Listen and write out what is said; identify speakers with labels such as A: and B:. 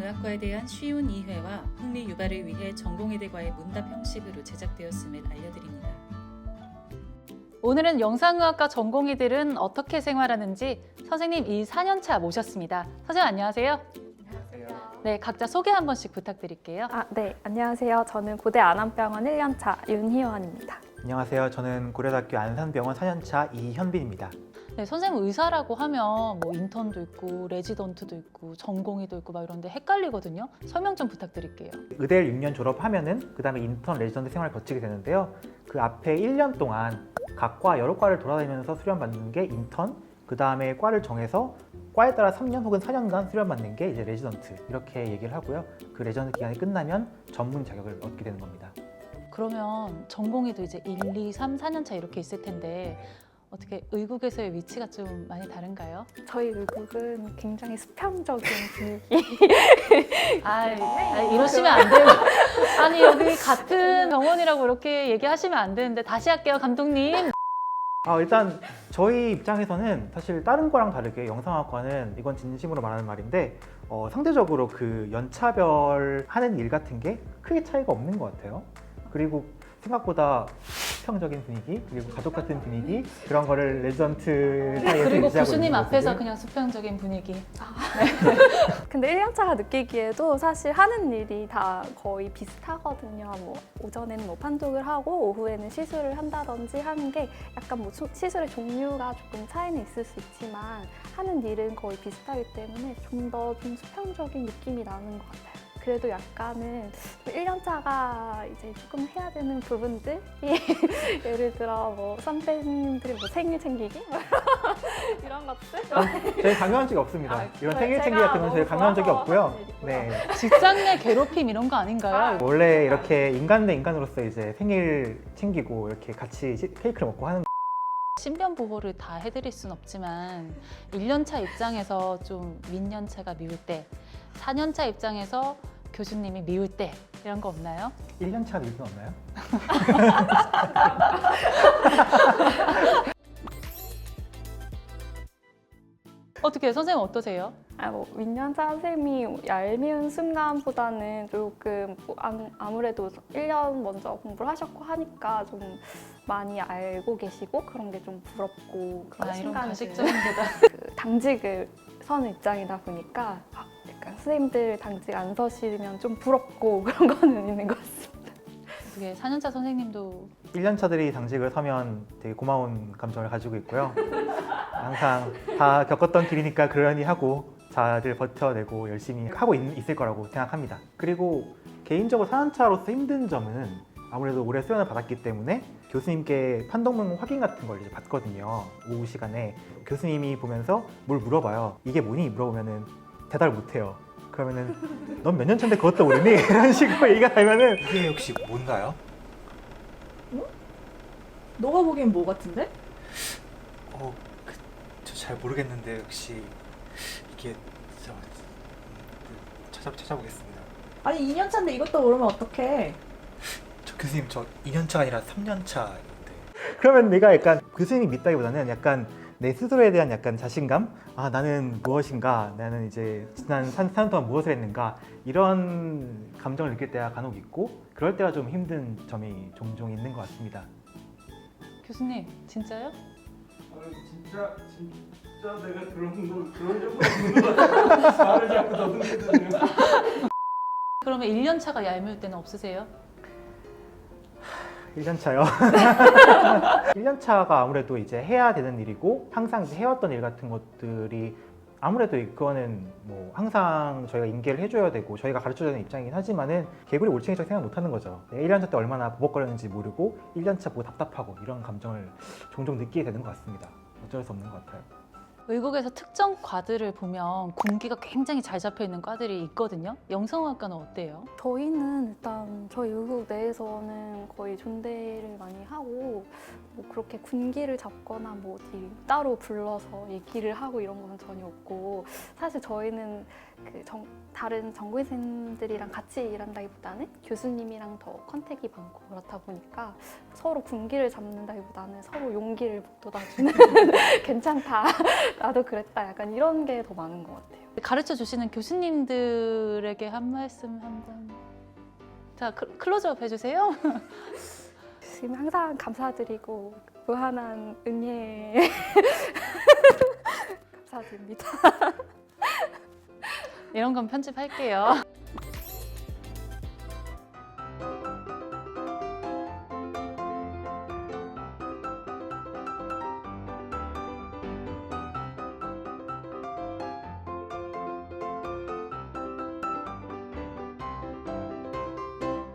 A: 문학과에 대한 쉬운 이해와 흥미 유발을 위해 전공의들과의 문답 형식으로 제작되었음을 알려드립니다.
B: 오늘은 영상의학과 전공의들은 어떻게 생활하는지 선생님 4년차 모셨습니다. 선생님 안녕하세요.
C: 안녕하세요.
B: 네, 각자 소개 한 번씩 부탁드릴게요.
C: 네, 안녕하세요. 저는 고대 안암병원 1년차 윤희원입니다.
D: 안녕하세요. 저는 고려대학교 안산병원 4년차 이현빈입니다.
B: 네, 선생님 의사라고 하면 뭐 인턴도 있고 레지던트도 있고 전공의도 있고 막 이런데 헷갈리거든요. 설명 좀 부탁드릴게요.
D: 의대를 6년 졸업하면은 그 다음에 인턴 레지던트 생활을 거치게 되는데요. 그 앞에 1년 동안 각 과 여러 과를 돌아다니면서 수련받는 게 인턴, 그 다음에 과를 정해서 과에 따라 3년 혹은 4년간 수련받는 게 이제 레지던트 이렇게 얘기를 하고요. 그 레지던트 기간이 끝나면 전문 자격을 얻게 되는 겁니다.
B: 그러면 전공의도 이제 1, 2, 3, 4년차 이렇게 있을 텐데 어떻게 의국에서의 위치가 좀 많이 다른가요?
C: 저희 의국은 굉장히 수평적인 분위기.
B: 이러시면 안 돼요. 아니 여기 같은 병원이라고 이렇게 얘기하시면 안 되는데 다시 할게요, 감독님.
D: 일단 저희 입장에서는 사실 다른 과랑 다르게 영상학과는 이건 진심으로 말하는 말인데 상대적으로 그 연차별 하는 일 같은 게 크게 차이가 없는 것 같아요. 그리고 생각보다 수평적인 분위기, 그리고 가족 같은 분위기 그런 거를 레지던트 사이에서
B: 그리고
D: 유지하고
B: 교수님
D: 있는
B: 앞에서
D: 모습을.
B: 그냥 수평적인 분위기.
C: 근데 1년차가 느끼기에도 사실 하는 일이 다 거의 비슷하거든요. 뭐 오전에는 뭐 판독을 하고 오후에는 시술을 한다든지 하는 게 약간 뭐 시술의 종류가 조금 차이는 있을 수 있지만 하는 일은 거의 비슷하기 때문에 좀 더 좀 수평적인 느낌이 나는 것 같아요. 그래도 약간은 1년차가 이제 조금 해야 되는 부분들이 예를 들어 뭐 선배님들이 뭐 생일 챙기기 이런 것들.
D: 저희 강요한 적이 없습니다. 이런
C: 저희-
D: 생일 챙기
C: 제가
D: 같은 건 저희
C: 너무
D: 강요한 적이
C: 좋아서
D: 없고요.
C: 하는 일이고요.
D: 네.
B: 직장 내 괴롭힘 이런 거 아닌가요?
D: 원래 이렇게 인간 대 인간으로서 이제 생일 챙기고 이렇게 같이 케이크를 먹고 하는
B: 신변 보호를 다 해드릴 순 없지만 1년차 입장에서 좀 민년차가 미울 때, 4년차 입장에서 교수님이 미울 때 이런 거 없나요?
D: 1년차 밀수 없나요?
B: 어떻게 선생님 어떠세요?
C: 뭐 민년차 선생님이 얄미운 순간보다는 조금 뭐 아무래도 1년 먼저 공부를 하셨고 하니까 좀 많이 알고 계시고 그런 게 좀 부럽고 그런
B: 이런
C: 순간들.
B: 가식적인 게다.
C: 그 당직을 서는 입장이다 보니까 약간 선생님들 당직 안 서시면 좀 부럽고 그런 거는 있는 것 같습니다.
B: 어떻게 4년차 선생님도
D: 1년차들이 당직을 서면 되게 고마운 감정을 가지고 있고요. 항상 다 겪었던 길이니까 그러니 하고 잘 버텨내고 열심히 하고 있을 거라고 생각합니다. 그리고 개인적으로 4년차로서 힘든 점은 아무래도 올해 수련을 받았기 때문에 교수님께 판독문 확인 같은 걸 이제 받거든요. 오후 시간에 교수님이 보면서 뭘 물어봐요. 이게 뭐니? 물어보면은 대답을 못해요. 그러면은 넌 몇 년 차인데 그것도 모르니? 이런 식으로 얘기가 되면은
E: 이게 혹시 뭔가요?
F: 너가 보기엔 뭐 같은데?
E: 저 잘 모르겠는데 혹시 이게 찾아보겠습니다.
F: 아니 2년 차인데 이것도 모르면 어떡해?
E: 저 교수님 저 2년차가 아니라 3년차인데.
D: 그러면 내가 약간 교수님 믿다기보다는 약간 내 스스로에 대한 약간 자신감? 나는 무엇인가? 나는 이제 지난 3년 동안 무엇을 했는가? 이런 감정을 느낄 때가 간혹 있고 그럴 때가 좀 힘든 점이 종종 있는 것 같습니다.
B: 교수님 진짜요?
G: 진짜 내가 그런 적은 없는 것 같아. 말을 자꾸 더듬거든요.
B: 그러면 1년차가 얄미울 때는 없으세요?
D: 1년차요. 1년차가 아무래도 이제 해야 되는 일이고 항상 이제 해왔던 일 같은 것들이 아무래도 그거는 뭐 항상 저희가 인계를 해줘야 되고 저희가 가르쳐야 되는 입장이긴 하지만은 개구리 올챙이처럼 생각 못하는 거죠. 1년차 때 얼마나 버벅거렸는지 모르고 1년차 보고 답답하고 이런 감정을 종종 느끼게 되는 것 같습니다. 어쩔 수 없는 것 같아요.
B: 의국에서 특정 과들을 보면 군기가 굉장히 잘 잡혀 있는 과들이 있거든요. 영상학과는 어때요?
C: 저희는 일단 저희 의국 내에서는 거의 존대를 많이 하고 뭐 그렇게 군기를 잡거나 뭐 어디 따로 불러서 얘기를 하고 이런 건 전혀 없고 사실 저희는 그 다른 전공의생들이랑 같이 일한다기보다는 교수님이랑 더 컨택이 많고 그렇다 보니까 서로 군기를 잡는다기보다는 서로 용기를 북돋아주는 괜찮다 나도 그랬다 약간 이런 게 더 많은 것 같아요.
B: 가르쳐 주시는 교수님들에게 한 말씀 한번. 자, 클로즈업 해주세요.
C: 지금 항상 감사드리고 무한한 은혜 감사드립니다.
B: 이런 건 편집할게요.